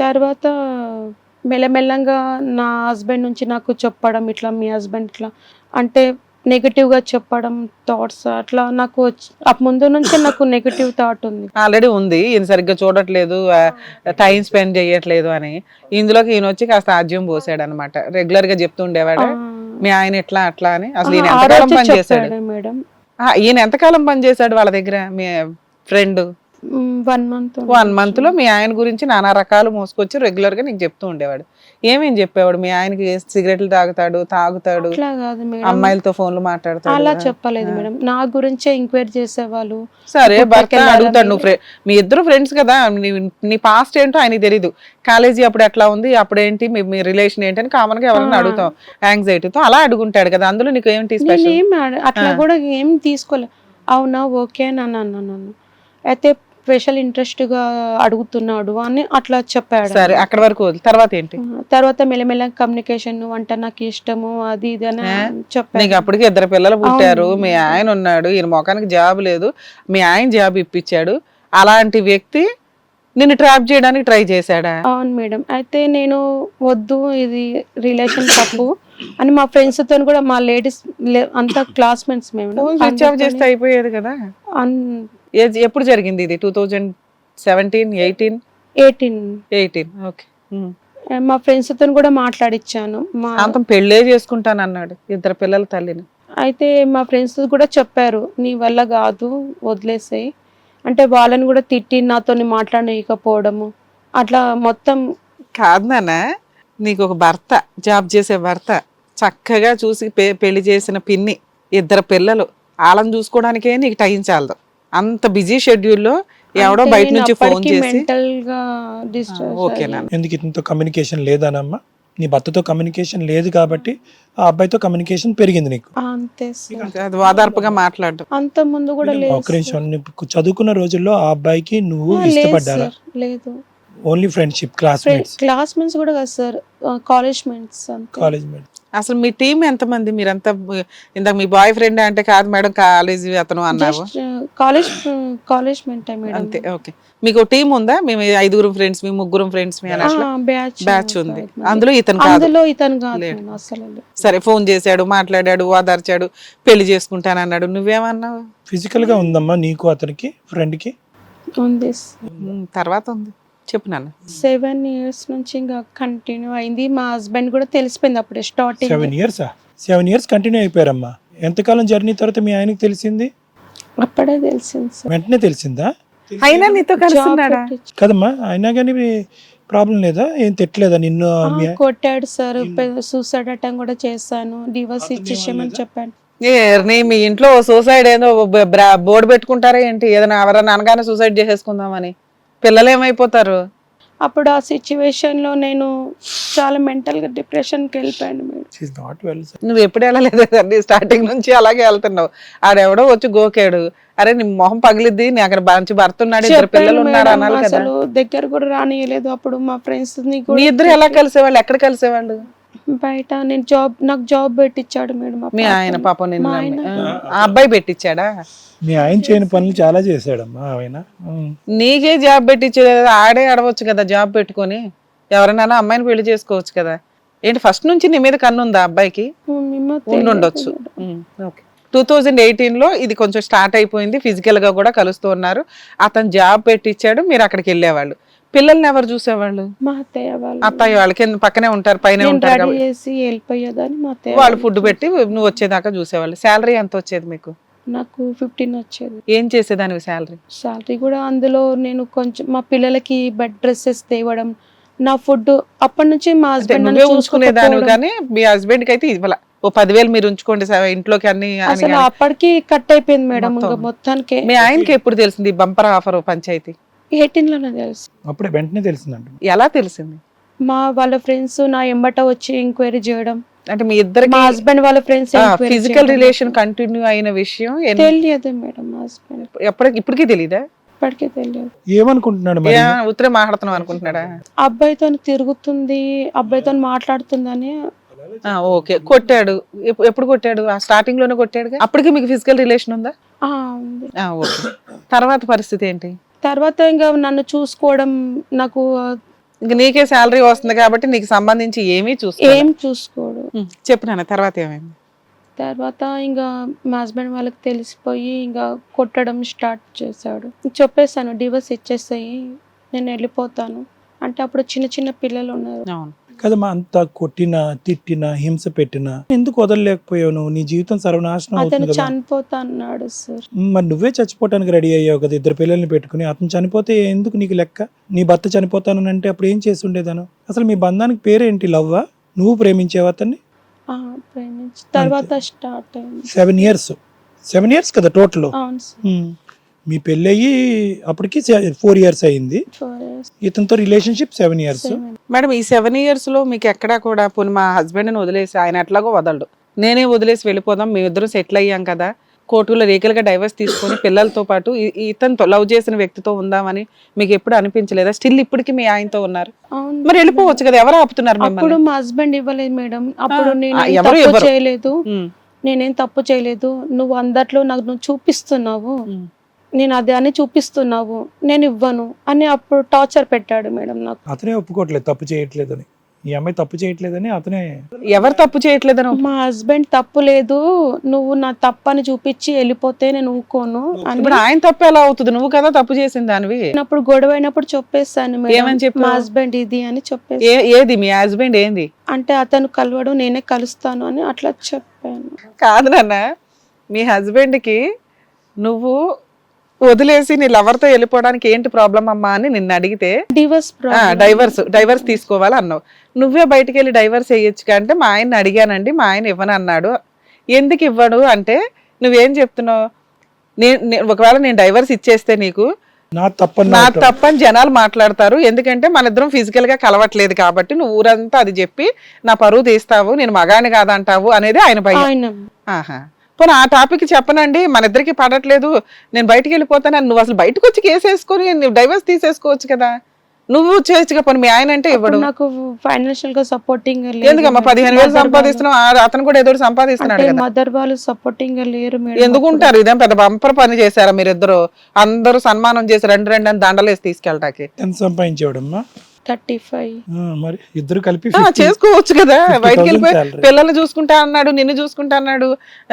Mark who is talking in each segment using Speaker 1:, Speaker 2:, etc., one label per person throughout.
Speaker 1: తర్వాత మెల్లమెల్లంగా నా హస్బెండ్ నుంచి నాకు చెప్పడం, ఇట్లా మీ హస్బెండ్ ఇట్లా అంటే నెగటివ్గా చెప్పడం, థాట్స్ అట్లా నాకు ముందు నుంచే నాకు నెగటివ్ థాట్ ఉంది.
Speaker 2: ఆల్రెడీ ఉంది, ఈయన సరిగ్గా చూడట్లేదు, టైం స్పెండ్ చేయట్లేదు అని. ఇందులోకి ఈయన వచ్చి కాస్త ఆజ్యం పోసాడు అనమాట. రెగ్యులర్ గా చెప్తూ ఉండేవాడు మీ ఆయన ఎట్లా అట్లా అని. అసలు ఈయన
Speaker 1: ఆ
Speaker 2: ఎంతకాలం
Speaker 1: రోజే
Speaker 2: పనిచేశాడు?
Speaker 1: చెప్పాడు మేడం.
Speaker 2: ఈయన ఎంతకాలం పనిచేశాడు వాళ్ళ దగ్గర మీ ఫ్రెండ్?
Speaker 1: 1 month.
Speaker 2: 1 month లో మీ ఆయన గురించి నానా రకాలు మోసుకొచ్చి రెగ్యులర్ గా నీకు చెప్తూ ఉండేవాడు. ఏమేం చెప్పేవాడు? మీ ఆయనకి సిగరెట్లు తాగుతాడు,
Speaker 1: అట్లా కాదు మేడం,
Speaker 2: అమ్మాయిలతో ఫోన్లు మాట్లాడతాడు.
Speaker 1: అలా చెప్పలేదు మేడం. నా గురించే ఎంక్వైరీ చేసేవాళ్ళు.
Speaker 2: సరే, భర్త అడుగుతాడు. నువ్వు మీ ఇద్దరు ఫ్రెండ్స్ కదా, నీ పాస్ట్ ఏంటో ఆయనకి తెలీదు. కాలేజీ అప్పుడు ఎట్లా ఉంది, అప్పుడేంటి, మీ రిలేషన్ ఏంటి అని కామన్ గా ఎవరైనా అడుగుతాం యాంగ్జైటీతో. అలా అడుగుంటాడు కదా, అందులో నీకు ఏంటి స్పెషల్?
Speaker 1: అట్లా కూడా ఏం తీసుకోలేదు. అవునా, ఓకే అని అన్నాను. అయితే స్పెషల్ ఇంట్రెస్ట్ గా అడుగుతున్నాడు అని అట్లా చెప్పాడు.
Speaker 2: సరే, అక్కడ వరకు తర్వాత ఏంటి?
Speaker 1: తర్వాత మెల్లమెల్ల కమ్యూనికేషన్, అంటే నాకు ఇష్టము అది ఇది అని చెప్పాడు.
Speaker 2: నీకు అప్పటికి 2 పిల్లలు పుట్టారు, మీ ఆయన ఉన్నాడు, ఈయన మొఖానికి జాబ్ లేదు, మీ ఆయన జాబ్ ఇప్పించాడు. అలాంటి వ్యక్తి నిన్ను ట్రాప్ చేయడానికి ట్రై చేశాడా?
Speaker 1: అవును మేడం. అయితే నేను వద్దు, ఇది రిలేషన్ తప్పు అని మా ఫ్రెండ్స్ తో కూడా, మా లేడీస్ అంతా క్లాస్మేట్స్ మేము
Speaker 2: స్విచ్ ఆఫ్ చేస్తే అయిపోయేది కదా. ఎప్పుడు జరిగింది ఇది? 2017, 18? ఓకే.
Speaker 1: మా ఫ్రెండ్స్ తో కూడా మాట్లాడిచ్చాను.
Speaker 2: అంతం పెళ్ళే చేసుకుంటాను అన్నాడు, 2 పిల్లల తల్లిని.
Speaker 1: అయితే మా ఫ్రెండ్స్ కూడా చెప్పారు, నీ వల్ల కాదు, వదిలేసాయి అంటే. వాళ్ళని కూడా తిట్టి నాతో మాట్లాడకపోవడము అట్లా మొత్తం.
Speaker 2: కాదు నాన్న, నీకు ఒక భర్త, జాబ్ చేసే భర్త, చక్కగా చూసి పెళ్లి చేసిన పిన్ని, 2 పిల్లలు, వాళ్ళని చూసుకోవడానికే నీకు టైం చాలదు. అంత బిజీ షెడ్యూల్లో ఎవడో బయట నుంచి ఫోన్ చేసి
Speaker 1: మెంటల్ గా డిస్టర్బ్.
Speaker 2: ఓకేనా?
Speaker 3: ఎందుకు ఇంత కమ్యూనికేషన్ లేదనమ్మా? నీ భర్తతో కమ్యూనికేషన్ లేదు కాబట్టి ఆ అబ్బాయితో కమ్యూనికేషన్ పెరిగింది నీకు.
Speaker 1: అంతే
Speaker 2: అది వాదార్పుగా మాట్లాడడం.
Speaker 1: అంత ముందు కూడా లేదు.
Speaker 3: ఒక నిమిషం, నువ్వు చదువుకున్న రోజుల్లో ఆ అబ్బాయికి నువ్వు ఇష్టపడ్డారా?
Speaker 1: లేదు.
Speaker 3: ఓన్లీ ఫ్రెండ్షిప్,
Speaker 1: క్లాస్మేట్స్ కూడా కాదు sir, college mates.
Speaker 3: College mates.
Speaker 2: అసలు మీ టీం ఎంతమంది? మీరంతా ఇందాక మీ బాయ్ ఫ్రెండ్ అంటే కాదు మేడం, కాలేజ్ అతను అన్నావు.
Speaker 1: College mate madam.
Speaker 2: అంతే, ఓకే. మీకు టీం ఉందా? మేము 5 ఫ్రెండ్స్, మీ 3 ఫ్రెండ్స్, మీ బ్యాచ్ ఉంది. అందులో ఇతను కాదు. సరే, ఫోన్ చేశాడు, మాట్లాడాడు, ఓదార్చాడు, పెళ్లి చేసుకుంటానన్నాడు. నువ్వేమన్నావు?
Speaker 3: ఫిజికల్ గా ఉందమ్మా నీకు అతనికి, ఫ్రెండ్ కి?
Speaker 2: తర్వాత ఉంది, చెప్పు నాన్న.
Speaker 1: 7 years నుంచి ఇంకా కంటిన్యూ అయింది. మా హస్బెండ్ కూడా తెలిసిపోయింది అప్పుడే స్టార్టింగ్.
Speaker 3: 7 years continue అయిపోయారమ్మా. ఎంతకాలం జర్నీ తర్వాత మీ ఆయనకి తెలిసింది?
Speaker 1: అప్పుడే తెలిసింది సార్.
Speaker 3: వెంటనే తెలిసిందా?
Speaker 2: అయినా నీతో కలిసిన్నాడా?
Speaker 3: కదమ్మా, అయినా కానీ ప్రాబ్లం లేదా? ఏం తిట్టలేదా నిన్ను?
Speaker 1: కొట్టాడు సార్, సూసైడ్ అటెంప్ట్ కూడా చేశాను, డివోర్స్ ఇచ్చేసామని చెప్పాను.
Speaker 2: మీ ఇంట్లో సూసైడ్ ఏదో బోర్డు పెట్టుకుంటారా ఏంటి? ఏదైనా ఎవరైనా అనగానే సూసైడ్ చేసేసుకుందామని. పిల్లలు ఏమైపోతారు?
Speaker 1: అప్పుడు ఆ సిచ్యువేషన్ లో నేను చాలా మెంటల్ గా డిప్రెషన్ కి వెళ్ళిపోయాను మేడం.
Speaker 2: నువ్వు ఎప్పుడు వెళ్ళలేదు, స్టార్టింగ్ నుంచి అలాగే వెళ్తున్నావు. ఆడెవడో వచ్చి గోకాడు, అరే నీ మొహం పగిలిద్ది, నీ అక్కడ మంచి భర్త ఉన్నాడు, 2 పిల్లలు ఉన్నారు అనాలి కదా.
Speaker 1: అసలు దగ్గర కూడా రానియలేదు. అప్పుడు మా ఫ్రెండ్స్
Speaker 2: మీ ఇద్దరు ఎలా కలిసేవాళ్ళు? ఎక్కడ కలిసేవాళ్ళు?
Speaker 1: బయట. నాకు జాబ్ పెట్టించాడు మేడం
Speaker 2: మీ ఆయన. పాపం నిన్ను ఆ అబ్బాయి పెట్టించాడా?
Speaker 3: మీ ఆయన చేయని పనులు చాలా చేశాడమ్మా ఆయన.
Speaker 2: నీకే జాబ్ పెట్టించలేదు, ఆడే అడవచ్చు కదా జాబ్ పెట్టుకొని. ఎవరైనా అమ్మాయిని పెళ్లి చేసుకోవచ్చు కదా. ఏంటి ఫస్ట్ నుంచి నీ మీద కన్ను ఉందా అబ్బాయికి? ఉండొచ్చు. 2018 లో ఇది కొంచెం స్టార్ట్ అయిపోయింది, ఫిజికల్ గా కూడా కలుస్తూ ఉన్నారు. అతను జాబ్ పెట్టించాడు, మీరు అక్కడికి వెళ్ళేవాళ్ళు. పిల్లల్ని ఎవరు చూసేవాళ్ళు?
Speaker 1: మా అత్తయ్య వాళ్ళు.
Speaker 2: అత్తయ్య వాళ్ళు కింద పక్కనే ఉంటారు, పైన ఉంటారు. వాళ్ళు ఫుడ్ పెట్టి నువ్వు వచ్చేదాకా చూసేవాళ్ళు. శాలరీ ఎంత వచ్చేది మీకు?
Speaker 1: నాకు 15 వచ్చేది.
Speaker 2: ఏం చేసేదానివి శాలరీ
Speaker 1: కూడా? అందులో నేను కొంచెం మా పిల్లలకి బెడ్ డ్రెస్సెస్ తేవడం, నా ఫుడ్ అప్పటి నుంచి మా హస్బెండ్
Speaker 2: చూసుకునేదాని. కానీ మీ హస్బెండ్ కి అయితే ఇవ్వాల. ఓ 10,000 మీరు ఉంచుకోండి ఇంట్లోకి అన్ని.
Speaker 1: అసలు అప్పటికి కట్ అయిపోయింది మేడం మొత్తానికి.
Speaker 2: మీ ఆయనకి ఎప్పుడు తెలిసింది బంపర్ ఆఫర్ పంచాయతీ?
Speaker 1: 18 లోనే తెలుసు.
Speaker 3: అప్పుడే వెంటనే తెలిసిందంట.
Speaker 2: ఎలా తెలిసింది?
Speaker 1: వాళ్ళ ఫ్రెండ్స్ నా ఎంబట వచ్చి ఎంక్వైరీ చేయడం.
Speaker 2: అంటే మీ ఇద్దరికి,
Speaker 1: మా హస్బెండ్ వాళ్ళ ఫ్రెండ్స్
Speaker 2: ఫిజికల్ రిలేషన్ కంటిన్యూ అయిన విషయం
Speaker 1: తెలియదు మేడం. మా హస్బెండ్
Speaker 2: ఇప్పటికీ తెలీదా?
Speaker 1: ఇప్పటికే తెలియదు.
Speaker 3: ఏమనుకుంటున్నాడు?
Speaker 2: ఉత్తరే మాట్లాడుతున్నావు అనుకుంటున్నాడా?
Speaker 1: అబ్బాయితో తిరుగుతుంది, అబ్బాయితో మాట్లాడుతుందని.
Speaker 2: ఓకే. కొట్టాడు. ఎప్పుడు కొట్టాడు? ఆ స్టార్టింగ్ లోనే కొట్టాడు. అప్పటికి మీకు ఫిజికల్ రిలేషన్ ఉందా? ఓకే. తర్వాత పరిస్థితి ఏంటి?
Speaker 1: తర్వాత ఇంకా నన్ను చూసుకోవడం, నాకు
Speaker 2: ఇంక నీకే శాలరీ వస్తుంది కాబట్టి నీకు సంబంధించి ఏమీ
Speaker 1: ఏం చూసుకోడు.
Speaker 2: చెప్పు నాన్న, తర్వాత ఏమైంది?
Speaker 1: తర్వాత ఇంకా మా హస్బెండ్ వాళ్ళకి తెలిసిపోయి ఇంకా కొట్టడం స్టార్ట్ చేశాడు. చెప్పేసాను డివోర్స్ ఇచ్చేసాయి, నేను వెళ్ళిపోతాను అంటే అప్పుడు చిన్న చిన్న పిల్లలు ఉన్నారు.
Speaker 2: అవును
Speaker 3: కదమ్మా, అంత కొట్టినా తిట్టినా హింస పెట్టినా ఎందుకు వదలలేకపోయావు నువ్వు? నీ జీవితం సర్వనాశనం
Speaker 1: అతను
Speaker 3: అవుతుంది కదా.
Speaker 1: చనిపోతా అన్నాడు సార్.
Speaker 3: మరి నువ్వే చచ్చిపోవటానికి రెడీ అయ్యావు కదా 2 పిల్లల్ని పెట్టుకుని. అతను చనిపోతే ఎందుకు నీకు లెక్క? నీ భర్త చనిపోతానంటే అప్పుడు ఏం చేసి ఉండేదాను? అసలు మీ బంధానికి పేరేంటి? లవ్వా? నువ్వు ప్రేమించావు అతన్ని?
Speaker 1: ప్రేమించి తర్వాత స్టార్ట్ అయింది.
Speaker 3: 7 years కదా టోటల్.
Speaker 1: అవును సార్.
Speaker 3: మీ పెళ్ళయి అప్పటికి 4 years అయింది.
Speaker 1: 4 years.
Speaker 3: ఇతనితో రిలేషన్షిప్ 7 years.
Speaker 2: మేడం, ఈ 7 years లో మీకు ఎక్కడా కూడా పోనీ మా హస్బెండ్ని వదిలేసి ఆయన ఎట్లాగో వదలడు, నేనే వదిలేసి వెళ్ళిపోదాం, మేమిద్దరం సెటిల్ అయ్యాం కదా, కోర్టులో లీగల్గా డైవర్స్ తీసుకొని పిల్లలతో పాటు ఇతనితో లవ్ చేసిన వ్యక్తితో ఉందామని మీకు ఎప్పుడు అనిపించలేదా? స్టిల్ ఇప్పటికి మీ ఆయనతో ఉన్నారు,
Speaker 1: అవును.
Speaker 2: మరి వెళ్ళిపోవచ్చు కదా, ఎవరు ఆపుతున్నారు
Speaker 1: అప్పుడు
Speaker 2: మిమ్మల్ని?
Speaker 1: మా హస్బెండ్ ఇవ్వలేదు మేడం. అప్పుడు నేను
Speaker 2: ఎవరు
Speaker 1: తప్పు
Speaker 2: ఇవ్వరు.
Speaker 1: చేయలేదు,
Speaker 2: ఉమ్,
Speaker 1: నేనేం తప్పు చేయలేదు, నువ్వు అందట్లో నాకు నువ్వు చూపిస్తున్నావు,
Speaker 2: ఉమ్.
Speaker 1: నేను అదే అని చూపిస్తున్నావు, నేను ఇవ్వను అని అప్పుడు టార్చర్ పెట్టాడు మేడం నాకు.
Speaker 3: అతనే ఒప్పుకోవట్లేదు తప్పు చేయట్లేదని. ఈ అమ్మాయి తప్పు చేయట్లేదని అతనే.
Speaker 2: ఎవరు తప్పు చేయట్లేదని?
Speaker 1: మా హస్బెండ్ తప్పు లేదు, నువ్వు నా తప్పని చూపించి వెళ్ళిపోతే నేను ఊకోను అని.
Speaker 2: ఇప్పుడు ఆయన తప్పు ఎలా అవుతుంది? నువ్వు కదా తప్పు చేసింది దానివి.
Speaker 1: అప్పుడు గొడవ అయినప్పుడు చెప్పేస్తాను
Speaker 2: ఏమని
Speaker 1: మేడం,
Speaker 2: చెప్పావు?
Speaker 1: మా హస్బెండ్ ఇది అని చెప్పేసి.
Speaker 2: ఏది మీ హస్బెండ్ ఏంది?
Speaker 1: అంటే అతను కలవడు, నేనే కలుస్తాను అని అట్లా చెప్పాను.
Speaker 2: కాదు నాన్న, మీ హస్బెండ్కి నువ్వు వదిలేసి నీ లవర్తో వెళ్ళిపోవడానికి ఏంటి ప్రాబ్లం అమ్మా అని నిన్ను అడిగితే డైవర్స్ తీసుకోవాలి అన్నావు. నువ్వే బయటికి వెళ్ళి డైవర్స్ వేయొచ్చు అంటే మా ఆయన్ని అడిగానండి, మా ఆయన ఇవ్వను అన్నాడు. ఎందుకు ఇవ్వడు అంటే నువ్వేం చెప్తున్నావు? ఒకవేళ నేను డైవర్స్ ఇచ్చేస్తే నీకు
Speaker 3: నా
Speaker 2: తప్పని జనాలు మాట్లాడతారు, ఎందుకంటే మన ఇద్దరం ఫిజికల్ గా కలవట్లేదు కాబట్టి నువ్వు ఊరంతా అది చెప్పి నా పరువు తీస్తావు, నేను మగాని కాదంటావు అనేది ఆయన భయం. ఆహా, పోనీ ఆ టాపిక్ చెప్పనండి, మన ఇద్దరికి పడట్లేదు, నేను బయటికి వెళ్ళిపోతాను, నువ్వు అసలు బయటకు వచ్చి కేసు వేసుకొని నువ్వు డైవర్స్ తీసేసుకోవచ్చు కదా, నువ్వు చేయొచ్చుగా. పోనీ మీ ఆయన అంటే ఇవ్వడు.
Speaker 1: నాకు ఫైనాన్షియల్ గా సపోర్టింగ్
Speaker 2: ఎందుకమ్మా 15,000 సంపాదిస్తున్నావు, అతను కూడా ఏదో సంపాదిస్తున్నాడు కదా.
Speaker 1: మదర్ వాళ్ళు సపోర్టింగ్ లేరు మేడం.
Speaker 2: ఎందుకు ఉంటారు? ఇదేం పెద్ద బంపర్ పని చేశారా మీరిద్దరు? అందరూ సన్మానం చేసి 2 అని దండలేసి తీసుకెళ్ళటానికి.
Speaker 3: ఎంత సంపాదించేవాడమ్మా?
Speaker 1: 35.
Speaker 3: మరి ఇద్దరు కలిపి
Speaker 2: చేసుకోవచ్చు కదా,
Speaker 3: 50,000
Speaker 2: బయటికి వెళ్ళిపోయి
Speaker 3: salary.
Speaker 2: పిల్లల్ని చూసుకుంటా అన్నాడు, నిన్ను చూసుకుంటా అన్నాడు,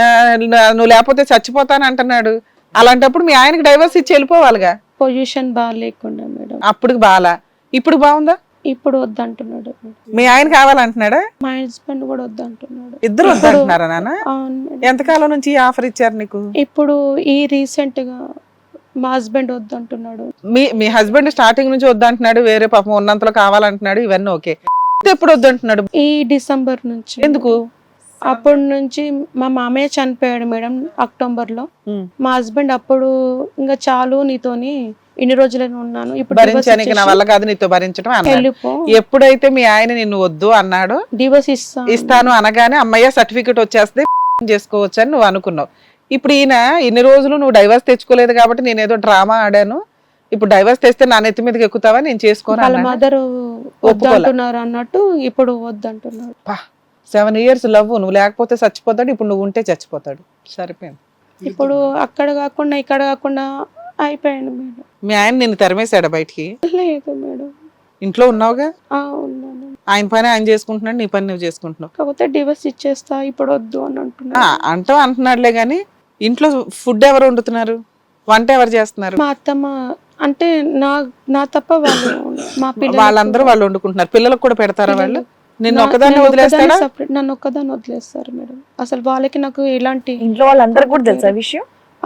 Speaker 2: నువ్వు లేకపోతే చచ్చిపోతాను అంటున్నాడు. అలాంటప్పుడు మీ ఆయనకి డైవర్స్ ఇచ్చి వెళ్ళిపోవాలిగా.
Speaker 1: Position బాగాలేకుండా madam.
Speaker 2: అప్పుడు బాలా, ఇప్పుడు బాగుందా?
Speaker 1: ఇప్పుడు వద్దంటున్నాడు.
Speaker 2: మీ ఆయన కావాలంటున్నాడా?
Speaker 1: మా హస్బెండ్ కూడా వద్దంటున్నాడు.
Speaker 2: ఇద్దరు వద్దంటున్నారా నాన్న?
Speaker 1: అవును మేడం.
Speaker 2: ఎంతకాలం నుంచి ఈ ఆఫర్ ఇచ్చారు నీకు?
Speaker 1: ఇప్పుడు ఈ రీసెంట్ గా మా హస్బెండ్ వద్దంటున్నాడు.
Speaker 2: మీ హస్బెండ్ స్టార్టింగ్ నుంచి వద్దంటున్నాడు, వేరే పాపం ఉన్నంతలో కావాలంటున్నాడు, ఇవన్నీ ఓకే. ఎప్పుడు వద్దంటున్నాడు?
Speaker 1: ఈ డిసెంబర్ నుంచి.
Speaker 2: ఎందుకు?
Speaker 1: అప్పటి నుంచి మా మామయ్య చనిపోయాడు మేడం అక్టోబర్ లో. మా హస్బెండ్ అప్పుడు ఇంకా చాలు నీతోని ఇన్ని రోజులని ఉన్నాను, ఇప్పుడు
Speaker 2: భరించానికి నా వల్ల కాదు నీతో భరించడం అన్నాడు. ఎప్పుడైతే మీ ఆయన నిన్ను వద్దు అన్నాడు,
Speaker 1: డివోర్స్
Speaker 2: ఇస్తాను అనగానే అమ్మయ్య సర్టిఫికెట్ వచ్చేస్తే చేసుకోవచ్చు అని నువ్వు అనుకున్నావు. ఇప్పుడు ఈయన ఇన్ని రోజులు నువ్వు డైవర్స్ తెచ్చుకోలేదు కాబట్టి నేను ఏదో డ్రామా ఆడాను, ఇప్పుడు డైవర్స్ తెస్తే నా నెత్తి మీదకి ఎక్కుతావా, నేను చేసుకోను.
Speaker 1: వాళ్ళ మదర్ వద్దంటున్నారు అన్నట్టు ఇప్పుడు వద్దంటున్నారు.
Speaker 2: 7 years లవ్, నువ్వు లేకపోతే చచ్చిపోతాడు, ఇప్పుడు నువ్వు ఉంటే చచ్చిపోతాడు. సరిపోయింది.
Speaker 1: ఇప్పుడు అక్కడ కాకుండా ఇక్కడ కాకుండా అయిపోయాను మేడం.
Speaker 2: మీ ఆయన నిన్ను తరిమేశాడా బయటికి?
Speaker 1: లేదు మేడం,
Speaker 2: ఇంట్లో ఉన్నావుగా.
Speaker 1: ఉన్నాను.
Speaker 2: ఆయన పని ఆయన చేసుకుంటున్నాడు, నీ పని నువ్వు చేసుకుంటున్నావు.
Speaker 1: కాకపోతే డివోర్స్ ఇచ్చేస్తా ఇప్పుడు వద్దు అని అంటున్నా.
Speaker 2: అంటున్నాడులే గానీ ఇంట్లో ఫుడ్ ఎవరు వండుతున్నారు, వంట ఎవరు చేస్తున్నారు?
Speaker 1: మా అత్తమ్మ. అంటే నా తప్ప వాళ్ళు మా పిల్లలు
Speaker 2: వాళ్ళందరూ వాళ్ళు వండుకుంటున్నారు. పిల్లలకు కూడా పెడతారా వాళ్ళు? నిన్ను ఒక్కదాన్ని వదిలేస్తారా?
Speaker 1: నన్ను ఒక్కదాన్ని వదిలేస్తారు మేడం. అసలు వాళ్ళకి నాకు ఎలాంటి
Speaker 4: ఇంట్లో వాళ్ళందరికీ కూడా తెలుసా విషయం?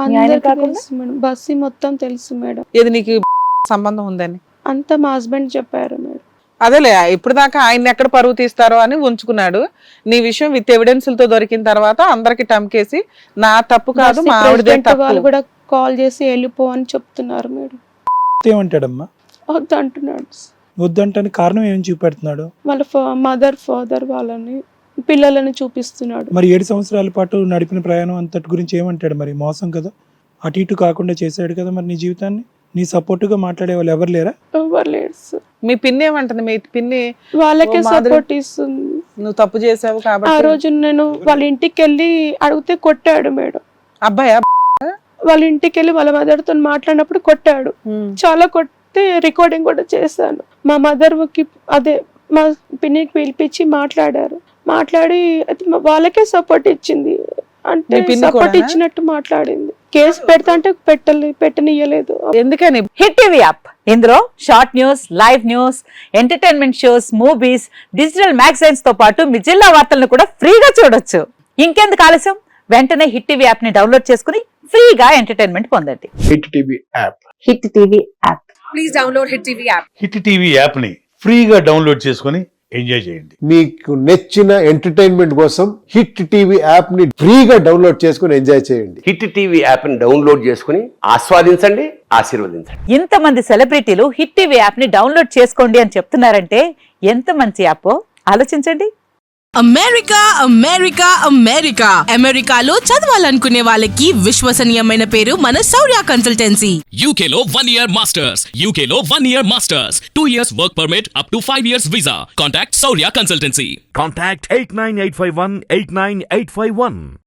Speaker 1: తెలుసు మేడం, బస్సు మొత్తం తెలుసు మేడం.
Speaker 2: ఏది నీకు సంబంధం ఉందని
Speaker 1: అంతా మా హస్బెండ్ చెప్పారు మేడం.
Speaker 2: అదేలే, ఇప్పుడు దాకా ఆయన ఎక్కడ పరువు తీస్తారో అని ఉంచుకున్నాడు. నీ విషయం విత్ ఎవిడెన్స్లతో దొరికిన తర్వాత అందరికి టమ్కేసి నా తప్పు కాదు మా ఆవిడదే తప్పు.
Speaker 1: వాళ్ళు కూడా కాల్ చేసి వెళ్ళిపో అని చెప్తున్నారు మేడం.
Speaker 3: ఏమంటాడమ్మా?
Speaker 1: వద్దంటున్నాడు.
Speaker 3: వద్దంటానికి కారణం ఏం చూపెడుతున్నాడు?
Speaker 1: వాళ్ళ మదర్ ఫాదర్ వాళ్ళని పిల్లలని చూపిస్తున్నాడు.
Speaker 3: మరి 7 సంవత్సరాల పాటు నడిపిన ప్రయాణం అంతటి గురించి ఏమంటాడు? మరి మోసం కదా, అటు ఇటు కాకుండా చేశాడు కదా మరి నీ జీవితాన్ని. నీ సపోర్టుగా మాట్లాడే వాళ్ళు ఎవరు లేరా?
Speaker 1: ఎవరు లేరు సార్.
Speaker 2: మీ పిన్ని ఏమంటుంది? మీ పిన్ని
Speaker 1: వాళ్ళకే సపోర్ట్ ఇస్తుంది.
Speaker 2: నువ్వు తప్పు చేసావు కాబట్టి.
Speaker 1: ఆ రోజు నేను వాళ్ళ ఇంటికి వెళ్ళి అడిగితే కొట్టాడు మేడం.
Speaker 2: అబ్బాయా?
Speaker 1: వాళ్ళ ఇంటికి వెళ్ళి వాళ్ళ మదర్తో మాట్లాడినప్పుడు కొట్టాడు, చాలా కొట్టే రికార్డింగ్ కూడా చేశాను. మా మదర్కి అదే మా పిన్నికి పిలిపించి మాట్లాడి అయితే వాళ్ళకే సపోర్ట్ ఇచ్చింది. అంటే
Speaker 2: మీ పిన్ని
Speaker 1: సపోర్ట్
Speaker 2: కూడానా?
Speaker 1: ఇచ్చినట్టు మాట్లాడింది. కేసు పెడతా అంటే పెట్టనియ్యలేదు.
Speaker 2: ఎందుకని?
Speaker 4: హిట్ టీవీ యాప్ ఇందులో short news, live news, entertainment shows, movies, digital magazines తో పాటు మీ జిల్లా వార్తలను కూడా ఫ్రీగా చూడొచ్చు. ఇంకెందుకు ఆలస్యం, వెంటనే హిట్ టీవీ యాప్ ని డౌన్లోడ్ చేసుకుని ఫ్రీగా ఎంటర్టైన్మెంట్ పొందండి.
Speaker 5: Hit TV app.
Speaker 4: Hit TV app.
Speaker 6: Hit TV యాప్ని ఫ్రీగా డౌన్లోడ్ చేసుకొని ఎంజాయ్ చేయండి.
Speaker 5: మీకు నచ్చిన ఎంటర్టైన్మెంట్ కోసం హిట్ టీవీ యాప్ ని ఫ్రీగా డౌన్లోడ్ చేసుకుని ఎంజాయ్ చేయండి.
Speaker 7: హిట్ టీవీ యాప్ని డౌన్లోడ్ చేసుకుని ఆస్వాదించండి, ఆశీర్వదించండి.
Speaker 4: ఇంతమంది సెలబ్రిటీలు హిట్ టీవీ యాప్ ని డౌన్లోడ్ చేసుకోండి అని చెప్తున్నారంటే ఎంత మంచి యాప్ ఆలోచించండి.
Speaker 8: అమెరికాలో చదవాలనుకునే వాళ్ళకి విశ్వసనీయమైన పేరు మన శౌర్య కన్సల్టెన్సీ.
Speaker 9: UK లో 1 year masters. UK లో 1 year masters. 2 years work permit up to 5 years visa. Contact Saurya Consultancy.
Speaker 10: Contact 89851 89851.